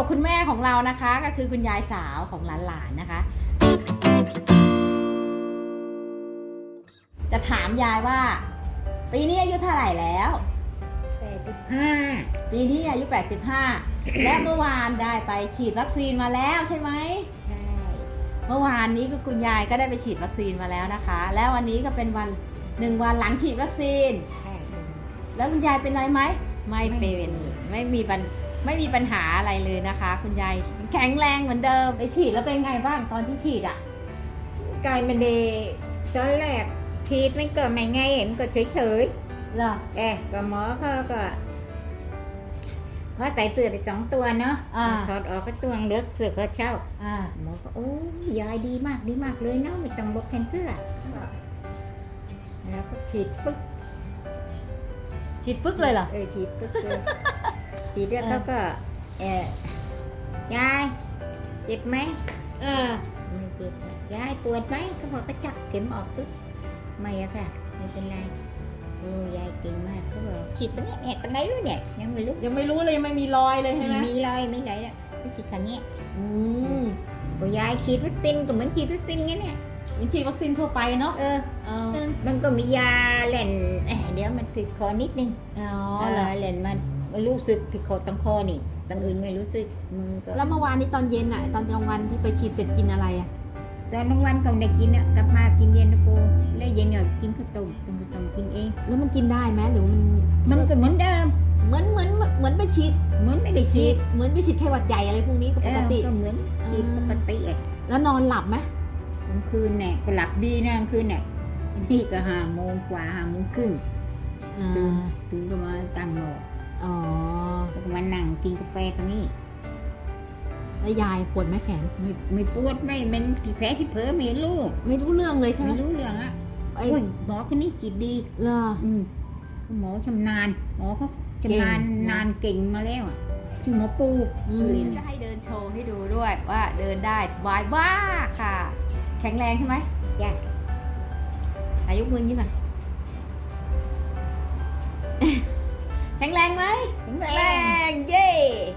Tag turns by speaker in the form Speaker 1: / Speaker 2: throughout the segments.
Speaker 1: คุณแม่ของเรานะคะก็คือคุณยายสาวของหลานๆนะคะ จะถามยายว่าปีนี้อายุเท่าไหร่แล้ว
Speaker 2: 85
Speaker 1: ปีนี้อายุ85และเมื่อวานได้ไปฉีดวัคซีนมาแล้วใช่ไหม
Speaker 2: ใช่
Speaker 1: เมื่อวานนี้ก็คุณยายก็ได้ไปฉีดวัคซีนมาแล้วนะคะ แล้ววันนี้ก็เป็นวัน1 วันหลังฉีดวัคซีน
Speaker 2: ใช่
Speaker 1: แล้วคุณยายเป็นอะไรไหมไม่เป็นไม่มีปัญหาอะไรเลยนะคะ คุณยายแข็งแรงเหมือนเดิมไปฉีดแล้วเป็นไงบ้างตอนที่ฉีดอ่ะ
Speaker 2: กายมันดีตอนแรกฉีดมันก็ไม่ไงเห็นก็เฉย
Speaker 1: เหรอ
Speaker 2: ก็หมอเขาก็เพราะไตเตือนอีก2 ตัวเนาะถอดออกก็ตัวเลือกเสือก็เช่าหมอก็โอ้ยายดีมากเลยเนาะไม่ต้องบอกแทนเสื้อแล้วก็ฉีดปึ๊ก
Speaker 1: เลยเหรอ
Speaker 2: ฉีดปึ๊กเลยฉีดแล้วเขาก็ยายเจ็บไหมไม่เจ็บยายปวดไหมเขาบอกก็จับเข็มออกปึ๊กไม่อะค่ะไม่เป็นไรโอ้ยายเก่งมากเขาบอกฉีดตรงนี้เนี่ยตรงไหนรู้เนี่ยยังไม่รู้
Speaker 1: เลยยังไม่มีรอยเลยใช่ไหม
Speaker 2: มีรอยไม่ไหนแล้วก็ฉีดครั้งนี้ก็ยายฉีดวัคซีนก็เหมือนฉีดวัคซีนงี้เนี่ย
Speaker 1: มันฉีดวัคซีนทั่วไปเนาะ
Speaker 2: มันก็มียาแหล่นเดี๋ยวมันติดคอนิดนึงแหล่นมันรู้สึกติดคอตรงคอนี่ตรงอื่นไม่รู้สึก
Speaker 1: แล้วเมื่อวานนี้ตอนเย็นอ่ะตอนกลางวันที่ไปฉีดเสร็จกินอะไรอ่ะ
Speaker 2: ตอนกลางวันก็ได้กินอ่ะกลับมากินเย็นนะโกแล้วเย็นเนี่ยกินข้าวต้มกินเอง
Speaker 1: แล้วมันกินได้ไหมหรือ
Speaker 2: มันก็เหมือนเดิม
Speaker 1: เหมือนไปฉีด
Speaker 2: เหมือนไม่ได้ฉีด
Speaker 1: เหมือนไปฉีดแค่หวัดใหญ่อะไรพวกนี้ก็ปกติ
Speaker 2: ก็เหมือนฉีดปกติ
Speaker 1: แล้วนอนหลับไหม
Speaker 2: กลางคืนเนี่ยก็หลับดีนะกลางคืนเนี่ยนี่ก็5 โมงกว่า5 โมงครึ่งตื่นก็มาตั้งหม้อแล้วก็มานั่งกินกาแฟตรงนี้
Speaker 1: แล้วยายปวดไหมแขน
Speaker 2: ไม่ปวดไม่มันที่แผลที่เผลอไม่รู้
Speaker 1: เรื่องเลยใช่ไหม
Speaker 2: ไม่รู้เรื่องอ่ะหมอคนนี้จิตดี
Speaker 1: เหรอ
Speaker 2: หมอชำนาญหมอเขาชำนาญนานเก่งมาแล้วอ่ะที่หมอปู
Speaker 1: จะให้เดินโชว์ให้ดูด้วยว่าเดินได้สบายมากค่ะแข็งแรงใช่ไหม
Speaker 2: จ้ะ
Speaker 1: อายุมือนี้มาแข็งแรงไหม
Speaker 2: แข็งแ
Speaker 1: รงเย่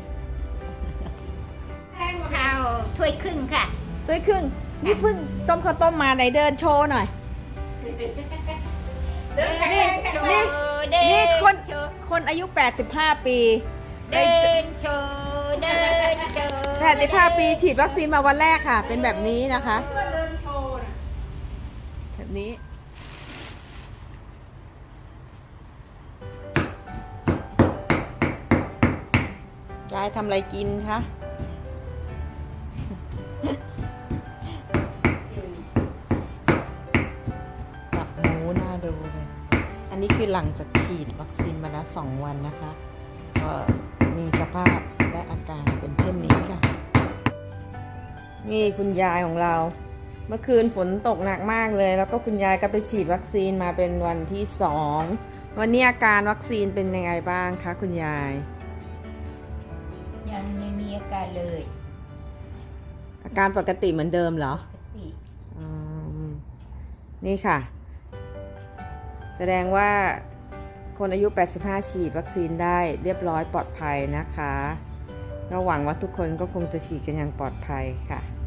Speaker 2: ข้าวถ้วยครึ่งค่ะ
Speaker 1: ถ้วยครึ่งนี่เพิ่งต้มข้าวต้มมาไหนเดินโชว์หน่อยนี่คนอายุ85 ปี
Speaker 2: เดินโชว์
Speaker 1: 85 ปีฉีดวัคซีนมาวันแรกค่ะเป็นแบบนี้นะคะแบบนี้ยายทำอะไรกินคะกับหมูน่าดูเลยอันนี้คือหลังจากฉีดวัคซีนมาแล้ว2 วันนะคะก็มีสภาพและอาการเป็นเช่นนี้ค่ะนี่คุณยายของเราเมื่อคืนฝนตกหนักมากเลยแล้วก็คุณยายก็ไปฉีดวัคซีนมาเป็นวันที่2วันนี้อาการวัคซีนเป็นยังไงบ้างคะคุณยาย
Speaker 2: ยังไม่มีอาการเลย
Speaker 1: อาการปกติเหมือนเดิมเหรอ
Speaker 2: ปกติ
Speaker 1: นี่ค่ะแสดงว่าคนอายุ85ฉีดวัคซีนได้เรียบร้อยปลอดภัยนะคะก็หวังว่าทุกคนก็คงจะฉีดกันอย่างปลอดภัยค่ะ